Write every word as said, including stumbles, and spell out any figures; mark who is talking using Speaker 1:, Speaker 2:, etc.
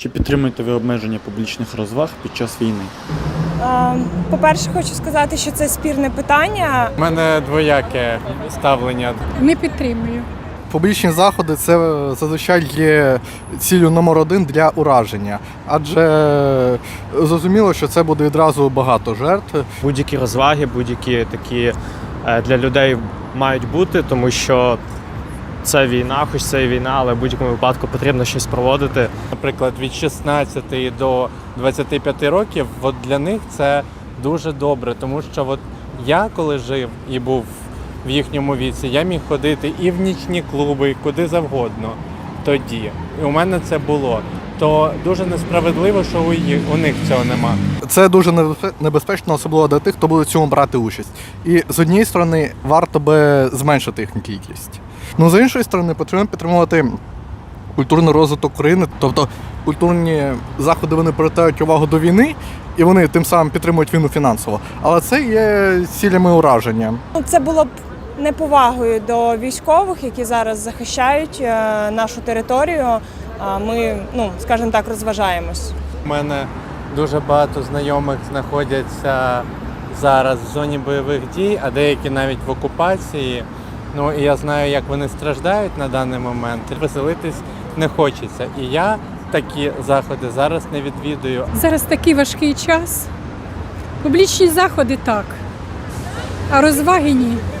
Speaker 1: Чи підтримуєте ви обмеження публічних розваг під час війни?
Speaker 2: По-перше, хочу сказати, що це спірне питання.
Speaker 3: У мене двояке ставлення.
Speaker 4: Не підтримую.
Speaker 5: Публічні заходи – це зазвичай є ціллю номер один для ураження, адже зрозуміло, що це буде відразу багато жертв.
Speaker 6: Будь-які розваги, будь-які такі для людей мають бути, тому що це війна, хоч це і війна, але в будь-якому випадку потрібно щось проводити.
Speaker 3: Наприклад, від шістнадцяти до двадцяти п'яти років, от для них це дуже добре, тому що от я коли жив і був в їхньому віці, я міг ходити і в нічні клуби, і куди завгодно тоді. І у мене це було. То дуже несправедливо, що у, їх, у них цього нема.
Speaker 5: Це дуже небезпечно, особливо для тих, хто буде в цьому брати участь. І з однієї сторони, варто би зменшити їхню кількість. Ну, з іншої сторони, потрібно підтримувати культурний розвиток країни, тобто культурні заходи вони привертають увагу до війни, і вони тим самим підтримують війну фінансово. Але це є цілями ураження.
Speaker 2: Це було б неповагою до військових, які зараз захищають нашу територію. Ми, ну, скажімо так, розважаємось.
Speaker 3: У мене дуже багато знайомих знаходяться зараз в зоні бойових дій, а деякі навіть в окупації. Ну, і я знаю, як вони страждають на даний момент. Веселитись не хочеться. І я такі заходи зараз не відвідую.
Speaker 4: Зараз такий важкий час. Публічні заходи так, а розваги ні.